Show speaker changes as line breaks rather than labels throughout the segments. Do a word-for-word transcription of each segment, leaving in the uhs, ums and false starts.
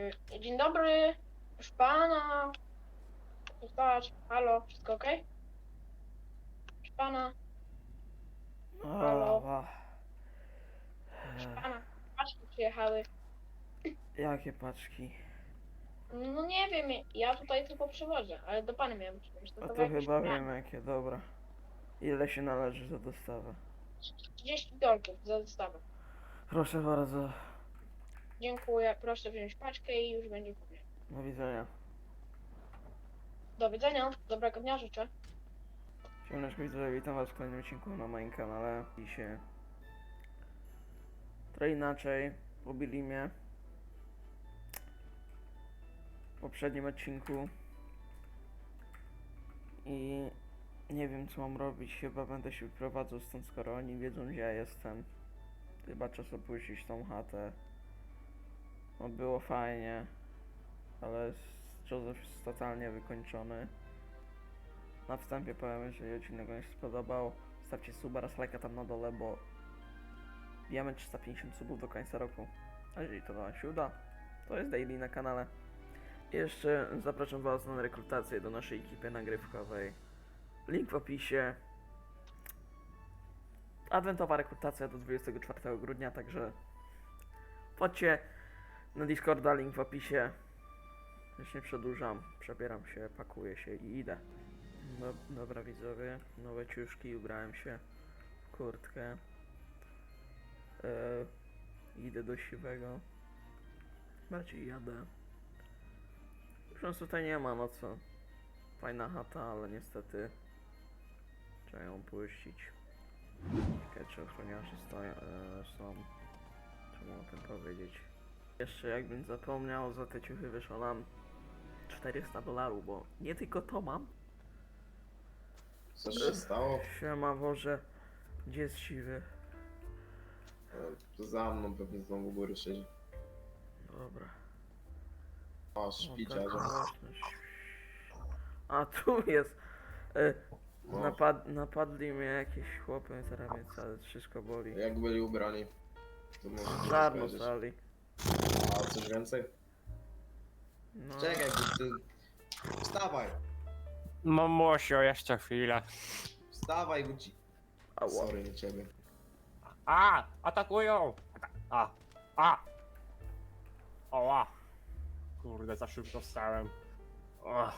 Y, Dzień dobry, proszę pana. Zostać. Halo, wszystko ok? Proszę pana, halo,
O,
proszę pana. Paczki przyjechały.
jakie paczki?
No nie wiem, ja tutaj tylko przywożę, ale do pana miałem przywieźć. To
A
chyba
to
jakieś
chyba
pytanie.
wiem jakie, dobra. Ile się należy za dostawę?
trzydzieści dolców za dostawę.
Proszę bardzo,
Dziękuję, proszę wziąć paczkę i już będzie po mnie.
do widzenia.
Do widzenia, dobrego dnia życzę.
Siemaneczko widzowie, witam was w kolejnym odcinku na moim kanale. Dzisiaj trochę inaczej, pobili mnie w poprzednim odcinku i nie wiem co mam robić, chyba będę się wyprowadzał stąd, skoro oni wiedzą gdzie ja jestem. Chyba czas opuścić tą chatę. No było fajnie, ale Joseph jest totalnie wykończony. Na wstępie powiem, jeżeli odcinek wam się spodobał, stawcie suba oraz lajka tam na dole, bo bijemy trzysta pięćdziesiąt subów do końca roku. A jeżeli to wam się uda, to jest daily na kanale. I jeszcze zapraszam was na rekrutację do naszej ekipy nagrywkowej. Link w opisie. Adwentowa rekrutacja do dwudziestego czwartego grudnia, także wchodźcie na Discorda, link w opisie. Już nie przedłużam, przebieram się, pakuję się i idę. No, dobra widzowie, nowe ciuszki, ubrałem się w kurtkę. Yy, idę do siwego. Bardziej jadę. Już nas tutaj nie ma, no co. Fajna chata, ale niestety trzeba ją puścić. Czekaj, czy ochroniarze stoją, yy, są. Trzeba o tym powiedzieć. Jeszcze jakbym zapomniał, za te ciuchy wyszło nam czterysta dolarów, bo nie tylko to mam.
Co się stało?
Siema Boże, gdzie jest siwy?
E, To za mną pewnie znowu u góry siedzi.
Dobra.
O,
O,
szpiciarze.
taka głośność. A tu jest. E,
No.
napad, napadli mnie jakieś chłopy, teraz mnie całe wszystko boli.
Jak byli ubrani? To może coś
Czarno
powiedzieć.
stali.
A coś więcej?
No.
Czekaj, bo ty... Wstawaj!
Mamusio, jeszcze chwilę.
Wstawaj, bo ci...
Ała.
Sorry, nie ciebie.
A! Atakują! A! A! Oła! Kurde, za szybko wstałem. O,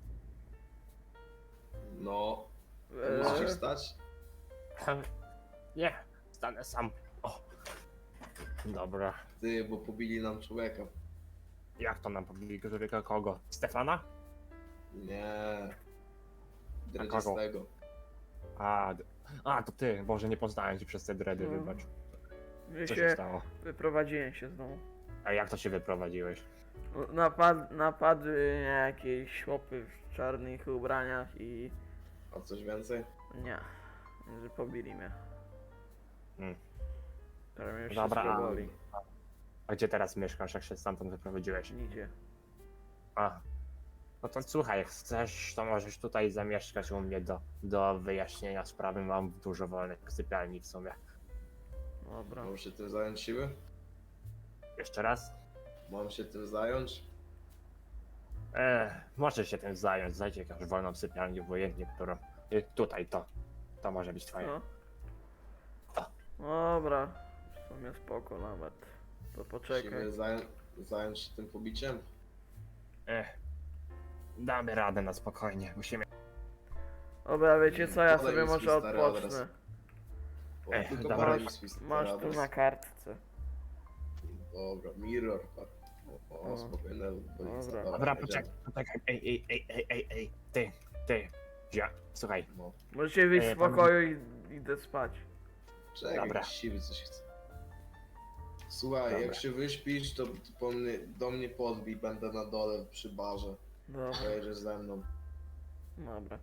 No...
E,
Musisz wstać?
nie, stanę sam. O. Dobra.
Ty, bo pobili nam człowieka.
Jak to nam pobili? Którego kogo? Stefana?
Nie...
kogo?
Dredziastego.
A, d- a, to ty. Boże, nie poznałem cię przez te dredy,
No.
wybacz.
my
Co się
się
stało?
wyprowadziłem się znowu.
A jak to się wyprowadziłeś?
No, Napad, napadły mnie jakieś chłopy w czarnych ubraniach i
A coś więcej?
nie, że pobili mnie.
Hmm.
Teraz mnie już
Dobra.
wszystko boli.
A gdzie teraz mieszkasz, jak się stamtąd wyprowadziłeś?
Nigdzie.
A. No to słuchaj, jak chcesz, to możesz tutaj zamieszkać u mnie do, do wyjaśnienia sprawy. Mam dużo wolnych sypialni w sumie.
Dobra.
Mam się tym zająć siły?
Jeszcze raz?
Mam się tym zająć?
Eee, możesz się tym zająć. Znajdź jakąś wolną sypialnię, obojętnie którą. Y, tutaj to. To może być twoje.
No.
To.
Dobra. W sumie spoko nawet. To poczekaj.
Musimy zająć, zająć się tym pobiciem?
Ech. Damy radę na spokojnie. Musimy.
Dobra, wiecie co, ja
Podaj
sobie
mi swój
może
stary
odpocznę.
adres. O,
Ej,
tylko
dobra.
podaj mi swój stary
Masz tu
adres.
na kartce.
Dobra, mirror, tak. O,
O,
o spokojnie,
dobra.
Dobra, poczekaj, poczekaj. Ej, ej, ej, ej, ej, ej. Ty, ty. Ja, słuchaj.
No,
Możecie wyjść
Ej,
z
pan-
pokoju i idę spać.
czekaj,
Dobra.
jakiś siwy coś chce. Słuchaj,
Dobra.
jak się wyśpisz, to, to po mnie, do mnie podbij, będę na dole przy barze.
Dobra,
Pojedziesz ze mną.
dobra.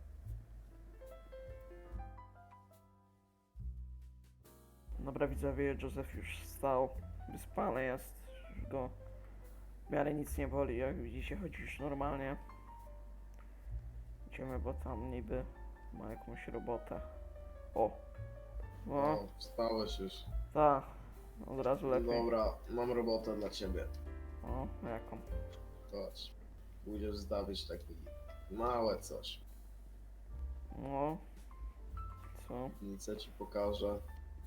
Dobra widzowie, Joseph już wstał. Wyspany jest. Już go w miarę nic nie boli, jak widzicie, chodzi już normalnie. Idziemy, bo tam niby ma jakąś robotę. O!
No,
O,
wstałeś już.
tak. Od razu lepiej.
Dobra, mam robotę dla ciebie.
O, jaką?
Chodź. Pójdziesz zdobyć taki małe coś.
No. Co?
Nic ci pokażę.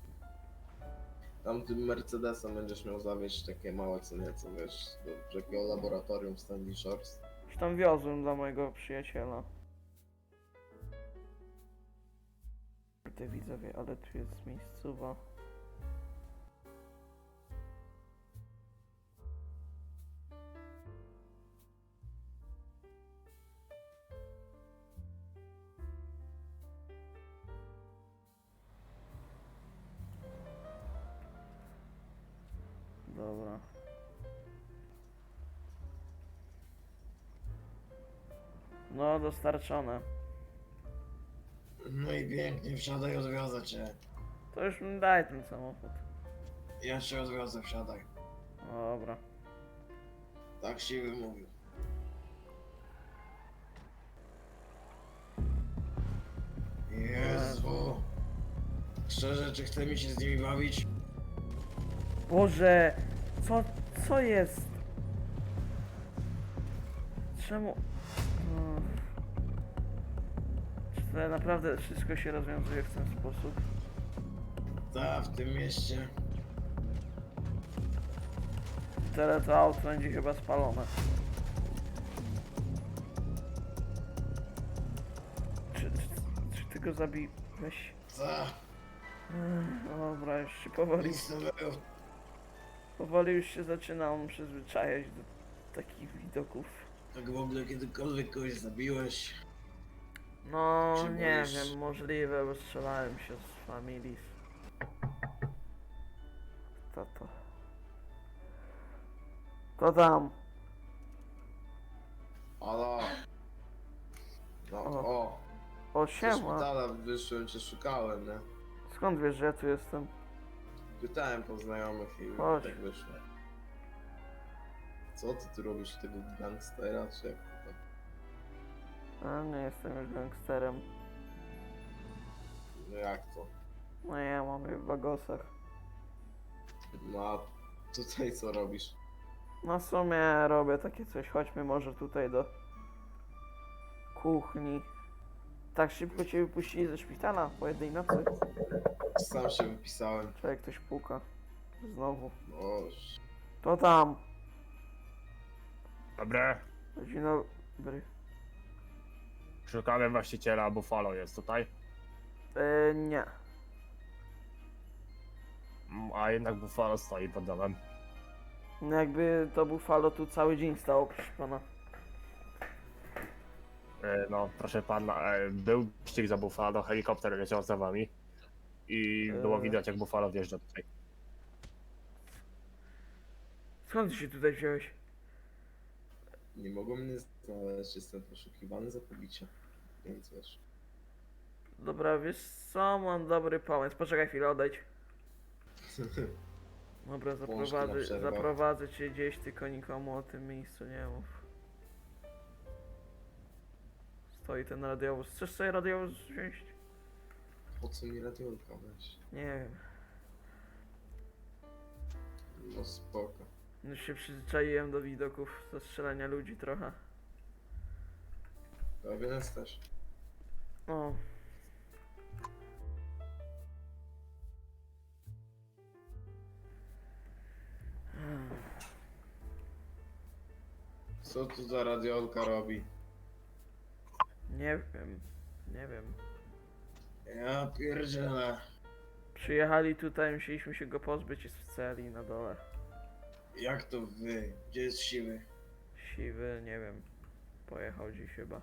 Tam tym Mercedesem będziesz miał zawieźć takie małe co nieco, wiesz, do takiego laboratorium w Stanley Shores.
Już tam wiozłem dla mojego przyjaciela. Ty widzowie, ale tu jest miejscowa. Dobra. No, dostarczone.
No i pięknie, wsiadaj, odwiozę cię.
To już mi daj ten samochód.
Ja cię odwiozę, wsiadaj.
Dobra.
Tak siwy mówił. Jezu. Szczerze, czy chce mi się z nimi bawić?
Boże! Co, co jest? Czemu? No. Czy to naprawdę wszystko się rozwiązuje w ten sposób?
Ta, w tym mieście.
Tyle to auto będzie chyba spalone. Czy, czy, czy ty go zabiłeś?
Ta,
Ech, Dobra, już się powoli,
nic nowego.
powoli już się zaczynam przyzwyczajać do takich widoków.
Tak w ogóle kiedykolwiek kogoś zabiłeś?
No,
Czy
nie
możesz-
wiem, możliwe, bo strzelałem się z Familis. To to. To tam.
Halo. No,
O.
o.
O,
Ze
siema.
szpitala wyszłem, cię szukałem, nie?
Skąd wiesz, że ja tu jestem?
Pytałem po znajomych i
Chodź.
tak wyszło. Co ty tu robisz tego gangstera, czy jak to tak?
A, nie jestem już gangsterem.
No jak to?
No ja mam je w bagosach.
No a tutaj co robisz?
No w sumie robię takie coś. Chodźmy może tutaj do kuchni. Tak szybko cię wypuścili ze szpitala po jednej nocy.
Sam się wypisałem.
Czekaj, ktoś puka. Znowu.
O,
To tam.
Dobre.
Dzień dobry.
Szukamy właściciela, Buffalo jest tutaj.
E, nie.
Mm, A jednak Buffalo stoi pod domem.
No jakby to Buffalo tu cały dzień stało, proszę pana.
E, No, proszę pana, e, był ścig za Buffalo, helikopter leciał za wami. I było
E.
widać, jak Buffalo wjeżdża tutaj.
Skąd ty się tutaj wziąłeś?
nie mogą mnie znaleźć, jestem poszukiwany za pobicie. Więc wiesz.
Dobra, wiesz co? Mam dobry pomysł. Poczekaj chwilę, odejdź. Dobra,
Łączki na
zaprowadzę,
przerwę.
zaprowadzę cię gdzieś, tylko nikomu o tym miejscu nie mów. Stoi ten radiowóz. Chcesz sobie radiowóz wziąć?
Po co mi radiolka weź?
Nie wiem.
No spoko.
Już się przyzwyczaiłem do widoków zastrzelania ludzi trochę.
Pewien jesteś.
O.
Co tu za radiolka robi?
Nie wiem. Nie wiem.
Ja pierdzielę.
Przyjechali tutaj, musieliśmy się go pozbyć, jest w celi na dole.
Jak to wy? Gdzie jest siwy?
Siwy, nie wiem. Pojechał dziś chyba.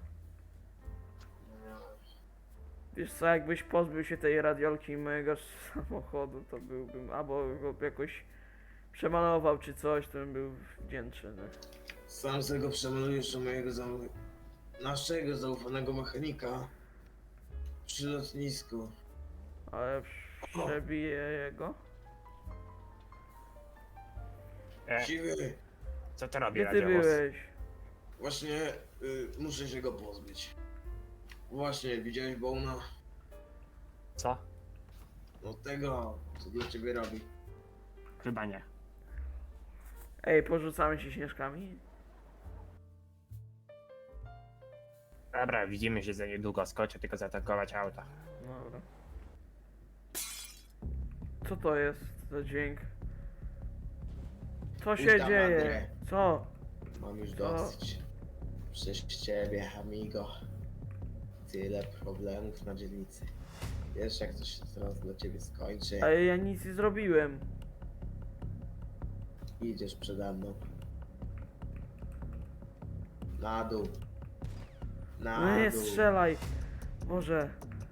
Wiesz co, jakbyś pozbył się tej radiolki i mojego samochodu, to byłbym, albo go jakoś przemalował czy coś, to bym był wdzięczny.
Sam z tego przemalujesz u mojego zau... naszego zaufanego mechanika przy lotnisku.
Ale przebiję jego?
E,
Siwy,
co to robi
Gdzie ty
radiowóz?
byłeś?
właśnie y, muszę się go pozbyć. Właśnie, widziałeś Bona?
Co?
No tego, co dla ciebie robi.
Chyba nie.
Ej, porzucamy się śnieżkami?
Dobra, widzimy się za niedługo, skoczę tylko zaatakować auto.
Dobra. Co to jest za dźwięk? Co się
Witam,
dzieje?
Andrzej.
Co?
Mam już
Co?
dosyć. Przez ciebie, amigo. Tyle problemów na dzielnicy. Wiesz, jak to się teraz dla ciebie skończy.
Ale ja nic nie zrobiłem.
Idziesz przede mną. Na dół. Na
No nie
dół.
strzelaj. Boże.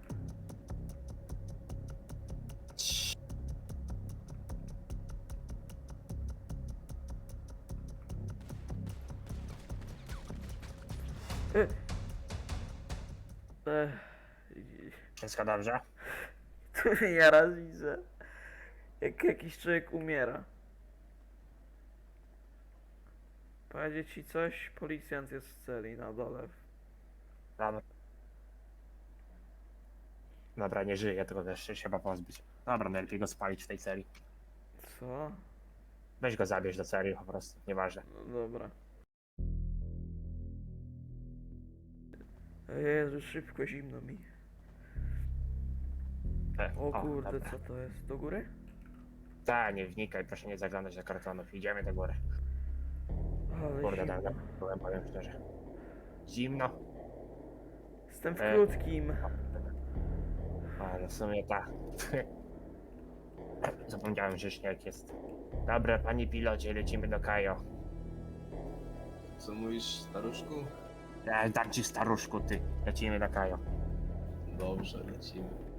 E. Ech.
Wszystko dobrze?
Tu ja raz widzę, jak jakiś człowiek umiera. Powiedzieć ci coś? Policjant jest w celi na dole.
Dobra. Dobra, nie żyje, tylko też się trzeba pozbyć. Dobra, najlepiej go spalić w tej serii.
Co?
Weź go zabierz do serii po prostu, nieważne.
No dobra. Jezu, szybko, zimno mi.
E,
O kurde,
dobra.
co to jest? Do góry?
Ta, nie wnikaj, proszę nie zaglądać do kartonów, idziemy do góry.
Ale
Kurde, tak,
zimno.
byłem, powiem szczerze. Zimno,
Jestem w
E.
krótkim.
ale w sumie tak. Zapomniałem, że śnieg jest. Dobra, panie pilocie, lecimy do Kajo.
Co mówisz, staruszku?
Ja dam ci staruszku, ty. Lecimy do Kajo.
Dobrze, lecimy.